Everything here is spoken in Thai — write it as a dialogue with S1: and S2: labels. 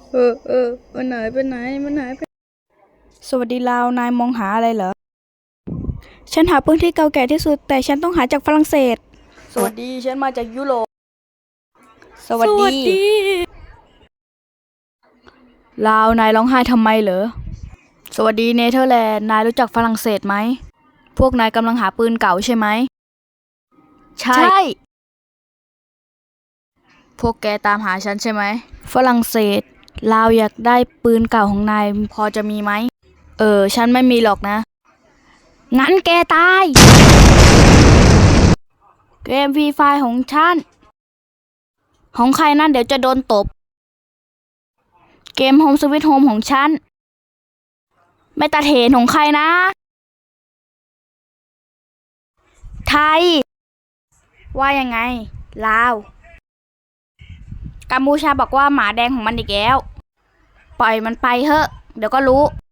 S1: มันหายไปไหนสวัสดีลาวนายมองหาอะไรเหรอฉันหาปืนที่เก่าแก่ที่สุดแต่ฉันต้องหาจากฝรั่งเศสสวัสดีฉันมาจากยุโรปสวัสดีลาวนายร้องไห้ทำไมเหรอสวัสดีเนเธอร์แลนด์นายรู้จักฝรั่งเศสไหมพวกนายกำลังหาปืนเก่าใช่ไหมใช่พวกแกตามหาฉันใช่ไหมฝรั่งเศสลาวอยากได้ปืนเก่าของนายพอจะมีไหมฉันไม่มีหรอกนะงั้นแกตายเกมฟรีไฟของฉันของใครนั่นเดี๋ยวจะโดนตบเกมโฮมสวิตโฮมของฉันไม่ตัดเหตุของใครนะไทยว่ายังไงลาวกัมพูชาบอกว่าหมาแดงของมันอีกแล้วปล่อยมันไปเถอะเดี๋ยวก็รู้